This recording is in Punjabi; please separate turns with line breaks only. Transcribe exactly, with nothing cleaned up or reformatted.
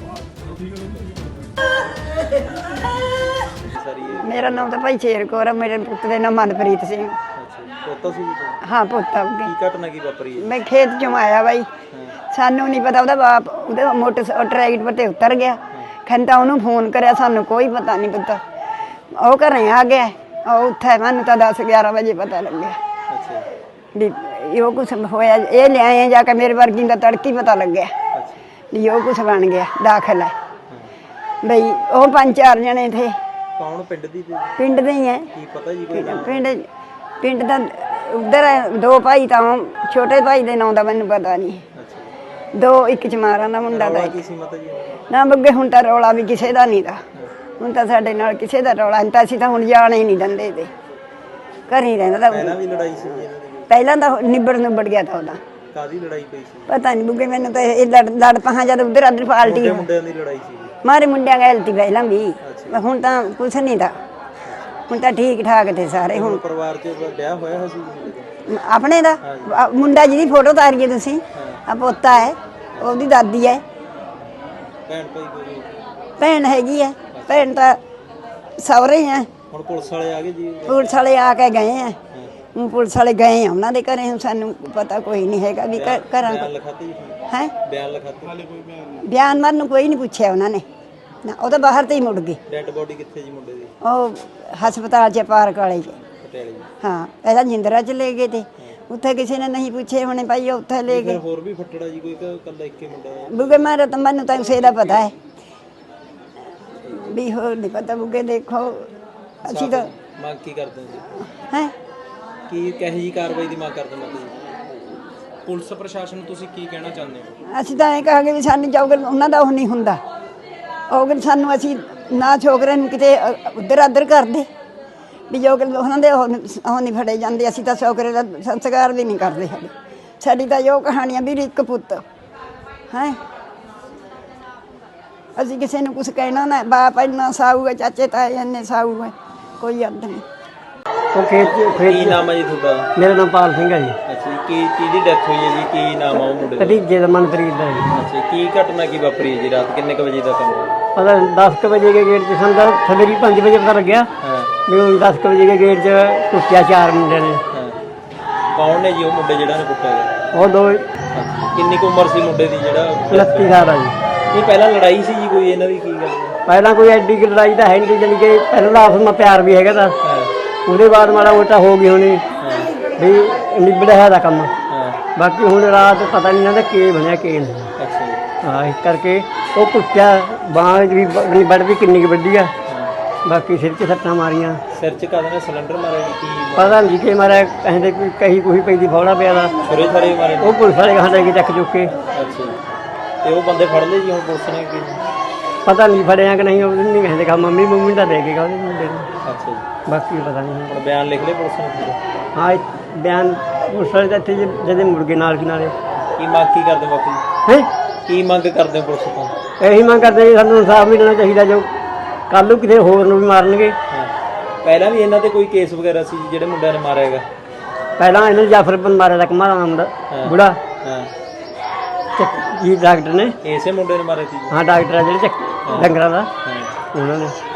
मेरा नाम तो भाई शेर कौर है, मेरे पुत्र का नाम मनप्रीत सिंह। हाँ पुत्ता मैं खेत चों आया भाई, सानू नहीं पता ਉਹਦਾ बाप ਉਹਦੇ मोटर ट्रैक्टर पर उतर गया, खंता ਉਹਨੂੰ फोन कराया, सानू कोई पता नहीं पता। ਉਹ ਘਰੇ आ गया, ਉਹ ਉੱਥੇ ਮੈਨੂੰ ਤਾਂ दस ग्यारह बजे पता लग गया भी यो कुछ होया। ये ले आए जाके मेरे वर्गी का तड़की पता लग गया भी यो कुछ बन गया, दाखिल है बई। वो पांच चार जने थे।
कौन पिंड दी थे?
पिंड दे ही है।
की पता जी कोई नाम?
पिंड पिंड दा उधर है, दो भाई था, छोटे भाई दे नाम दा मैनू पता नहीं, दो एक चमारा ना मुंडा दा ना बग्गे। हुण तां रौला भी किसे दा नहीं था, हुण तां साडे नाल किसे दा रौला नहीं, तां असीं तां हुण जाण ही नहीं दिंदे ते घर ही रहिंदा।
पहलां भी लड़ाई सी जी?
पहलां तां निबड़ निबड़ गया था ओदा।
कादी लड़ाई पई सी? पता
नहीं बुगे, मैनू तां ये लड़ लड़ पहां जद उधर अदर पार्टी
मुंडियां दी लड़ाई सी?
मारे मुंडियां गल ती पहलां भी, हुण तां कुछ नहीं था, हुण तां ठीक ठाक थे सारे। हुण
परिवार च ब्याह होया है सी
अपने दा? मुंडा जी दी फोटो तारिए तुसीं, आ पोता है, ओदी दादी है,
भैन भाई कोई?
भैन हैगी है, भैन तां सौरे ही है।
हुण पुलिस वाले आ गए जी?
पुलिस वाले आके गए हैं, ਹੁਣ ਪੁਲਿਸ ਵਾਲੇ ਗਏ ਆ ਉਹਨਾਂ ਦੇ ਘਰੇ, ਹੁਣ ਸਾਨੂੰ ਪਤਾ ਕੋਈ ਨਹੀਂ ਹੈਗਾ ਵੀ ਘਰਾਂ
ਬਿਆਨ ਲਿਖਾਤੇ ਜੀ?
ਹੈ
ਬਿਆਨ ਲਿਖਾਤੇ? ਹਾਲੇ ਕੋਈ ਬਿਆਨ ਨਹੀਂ?
ਬਿਆਨ ਮਾਰਨ ਨੂੰ ਕੋਈ ਨਹੀਂ ਪੁੱਛਿਆ ਉਹਨਾਂ ਨੇ ਨਾ, ਉਹ ਤਾਂ ਬਾਹਰ ਤੇ ਹੀ ਮੁੜ ਗਏ।
ਡੈਡ ਬੋਡੀ ਕਿੱਥੇ ਜੀ ਮੁੰਡੇ ਦੀ?
ਉਹ ਹਸਪਤਾਲ 'ਚ ਪਾਰਕ ਵਾਲੇ 'ਚ।
ਪਟਿਆਲੇ?
ਹਾਂ ਪਹਿਲਾਂ ਜਿੰਦਰਾ 'ਚ ਲੈ ਗਏ ਤੇ ਉੱਥੇ ਕਿਸੇ ਨੇ ਨਹੀਂ ਪੁੱਛੇ ਹੋਣੇ ਭਾਈ, ਉੱਥੇ ਲੈ ਗਏ।
ਹੋਰ ਵੀ ਫੱਟੜਾ ਜੀ ਕੋਈ? ਕੱਲਾ ਇੱਕੇ ਮੁੰਡਾ?
ਬੁਗੇ ਮਾਰਾ ਤਾਂ ਮੈਨੂੰ ਤਾਂ ਉਸੇ ਦਾ ਪਤਾ ਹੈ ਵੀ, ਹੋਰ ਨਹੀਂ ਪਤਾ ਬੁਗੇ। ਦੇਖੋ ਅਸੀਂ ਤਾਂ
ਮੰਗ ਕੀ ਕਰਦੇ ਹੋ ਜੀ?
ਹੈ
ਕੀ ਕਹੇ ਜੀ ਕਾਰਵਾਈ ਦੀ ਮੰਗ ਕਰਦੇ ਹੋ ਤੁਸੀਂ? ਪੁਲਿਸ ਪ੍ਰਸ਼ਾਸਨ ਨੂੰ ਤੁਸੀਂ ਕੀ ਕਹਿਣਾ ਚਾਹੁੰਦੇ ਹੋ?
ਅਸੀਂ ਤਾਂ ਇਹ ਕਹਾਂਗੇ ਵੀ ਸਾਨੂੰ ਚੌਗਲ ਉਹਨਾਂ ਦਾ ਉਹ ਨਹੀਂ ਹੁੰਦਾ, ਉਹ ਸਾਨੂੰ ਅਸੀਂ ਨਾ ਛੋਕਰੇ ਨੂੰ ਕਿਤੇ ਉੱਧਰ ਉੱਧਰ ਕਰਦੇ ਵੀ ਜੋਗਲ ਉਹਨਾਂ ਦੇ ਉਹ ਉਹ ਨਹੀਂ ਫੜੇ ਜਾਂਦੇ। ਅਸੀਂ ਤਾਂ ਛੋਕਰੇ ਦਾ ਸੰਸਕਾਰ ਵੀ ਨਹੀਂ ਕਰਦੇ ਸਾਡੇ। ਸਾਡੀ ਤਾਂ ਜੋ ਕਹਾਣੀਆਂ ਵੀ ਇੱਕ ਪੁੱਤ ਹੈ, ਅਸੀਂ ਕਿਸੇ ਨੂੰ ਕੁਛ ਕਹਿਣਾ ਨਾ, ਬਾਪ ਇੰਨਾ ਸਾਊ ਹੈ, ਚਾਚੇ ਤਾਏ ਇੰਨੇ ਸਾਊ ਹੈ, ਕੋਈ ਅੱਧ ਨਹੀਂ।
ਉਹ ਖੇਤ ਕੀ ਨਾਮ ਹੈ ਜੀ ਤੁਹਾਡਾ?
ਮੇਰਾ ਨਾਮ ਪਾਲ ਸਿੰਘ ਹੈ ਜੀ।
ਅੱਛਾ ਜੀ, ਕੀ ਕਿਹਦੀ ਡੈਥ ਹੋਈ ਹੈ ਜੀ? ਕੀ ਨਾਮ ਆ ਉਹ ਮੁੰਡੇ ਦਾ?
ਭਤੀਜੇ ਦਾ ਮਨਪ੍ਰੀਤ ਦਾ ਜੀ।
ਅੱਛਾ, ਕੀ ਘਟਨਾ ਕੀ ਵਾਪਰੀ ਹੈ ਜੀ? ਰਾਤ ਕਿੰਨੇ ਕੁ ਵਜੇ ਦਾ ਕੰਮ ਹੈ?
ਪਤਾ ਦਸ ਕੁ ਵਜੇ ਕੇ ਗੇਟ 'ਚ ਸਾਨੂੰ ਤਾਂ ਸਵੇਰੇ ਪੰਜ ਵਜੇ ਪਤਾ ਲੱਗਿਆ ਵੀ ਹੁਣ ਦਸ ਕੁ ਵਜੇ ਕੇ ਗੇਟ 'ਚ ਕੁੱਟਿਆ ਚਾਰ ਮੁੰਡਿਆਂ ਨੇ।
ਕੌਣ ਨੇ ਜੀ ਉਹ ਮੁੰਡੇ ਜਿਹੜਾ ਨੇ ਕੁੱਟਿਆ?
ਉਹ ਦੋ।
ਕਿੰਨੀ ਕੁ ਉਮਰ ਸੀ ਮੁੰਡੇ ਦੀ ਜਿਹੜਾ?
ਉਨੱਤੀ ਸਾਲ ਆ ਜੀ।
ਨਹੀਂ ਪਹਿਲਾਂ ਲੜਾਈ ਸੀ ਜੀ ਕੋਈ ਇਹਨਾਂ ਦੀ? ਕੀ ਗੱਲ?
ਪਹਿਲਾਂ ਕੋਈ ਐਡੀ ਕੁ ਲੜਾਈ ਤਾਂ ਹੈ ਨਹੀਂ, ਜਾਣੀ ਕਿ ਪਹਿਲਾਂ ਆਪਸ ਵਿੱਚ ਪਿਆਰ ਵੀ ਹੈਗਾ ਤਾਂ ਉਹਦੇ ਬਾਅਦ ਮਾੜਾ ਮੋਟਾ ਹੋ ਗਈ ਹੋਣੀ ਵੀ ਨਿਬੜਿਆ ਹੈ ਦਾ ਕੰਮ। ਬਾਕੀ ਹੁਣ ਰਾਤ ਪਤਾ ਨਹੀਂ ਇਹਨਾਂ ਦਾ ਕੀ ਬਣਿਆ ਕੀ ਨਹੀਂ।
ਅੱਛਾ ਜੀ।
ਹਾਂ ਇਸ ਕਰਕੇ ਉਹ ਕੁੱਟਿਆ, ਬਾਂਹ ਵੀ ਵੱਢ ਵੀ ਕਿੰਨੀ ਕੁ ਵੱਡੀ ਆ, ਬਾਕੀ ਸਿਰ 'ਚ ਸੱਟਾਂ ਮਾਰੀਆਂ।
ਸਿਰ 'ਚ ਕਾਹਦੇ ਨਾਲ ਸਿਲੰਡਰ ਮਾਰਿਆ ਜੀ? ਕੀ
ਪਤਾ ਨਹੀਂ ਕਿ ਮਾਰਿਆ, ਕਹਿੰਦੇ ਕੋਈ ਕਹੀ ਕੁਹੀ ਪੈਂਦੀ ਫੌੜਾ ਪਿਆ ਦਾ
ਛੁਰੇ ਛਾਰੇ ਮਾਰੇ?
ਉਹ ਪੁਲਿਸ ਵਾਲੇ ਕਹਾਂ ਲੈ ਕੇ ਚੱਕ ਚੁੱਕ ਕੇ।
ਅੱਛਾ, ਤੇ ਉਹ ਬੰਦੇ ਫੜ ਲਏ ਜੀ ਹੁਣ ਪੁਲਿਸ ਨੇ? ਕੀ
ਪਤਾ ਨਹੀਂ ਫੜਿਆ ਕਿ ਨਹੀਂ, ਉਹ ਨਹੀਂ ਕਹਿੰਦੇ ਕਹਾ ਮੰਮੀ ਮੰਮੀ ਤਾਂ ਦੇ ਕੇ ਉਹਦੇ ਮੁੰਡੇ ਨੂੰ।
ਅੱਛਾ ਜੀ,
ਬਾਕੀ ਪਤਾ ਨਹੀਂ।
ਹੁਣ ਬਿਆਨ ਲਿਖ ਲਏ ਪੁਲਿਸ ਨੇ?
ਹਾਂ ਇਹ ਬਿਆਨ ਪੁਲਿਸ ਵਾਲੇ ਤਾਂ ਇੱਥੇ ਜਦੇ ਮੁੜ ਗਏ ਨਾਲ ਕੀ ਨਾਲੇ।
ਕੀ ਮੰਗ ਕੀ ਕਰਦੇ ਬਾਪੂ ਜੀ?
ਹੈ
ਕੀ ਮੰਗ ਕਰਦੇ ਹੋ ਪੁਲਿਸ ਤੋਂ?
ਇਹੀ ਮੰਗ ਕਰਦੇ ਜੀ ਸਾਨੂੰ ਇਨਸਾਫ ਮਿਲਣਾ ਚਾਹੀਦਾ, ਜੋ ਕੱਲ੍ਹ ਨੂੰ ਕਿਸੇ ਹੋਰ ਨੂੰ ਵੀ ਮਾਰਨਗੇ।
ਪਹਿਲਾਂ ਵੀ ਇਹਨਾਂ ਤੇ ਕੋਈ ਕੇਸ ਵਗੈਰਾ ਸੀ ਜਿਹੜੇ ਮੁੰਡਿਆਂ ਨੇ ਮਾਰਿਆ ਹੈਗਾ?
ਪਹਿਲਾਂ ਇਹਨਾਂ ਜਾਫਰ ਬਨ ਮਾਰਿਆ ਦਾ ਕਮਾਰਾ ਨਾਮ ਦਾ ਬੁੜਾ ਜੀ, ਡਾਕਟਰ ਨੇ।
ਇਸੇ ਮੁੰਡੇ ਨੇ ਮਾਰੇ ਸੀ?
ਹਾਂ ਡਾਕਟਰ ਆ ਜਿਹੜੇ ਚੱਕ ਡੰਗਰਾਂ ਦਾ, ਉਹਨਾਂ ਨੇ।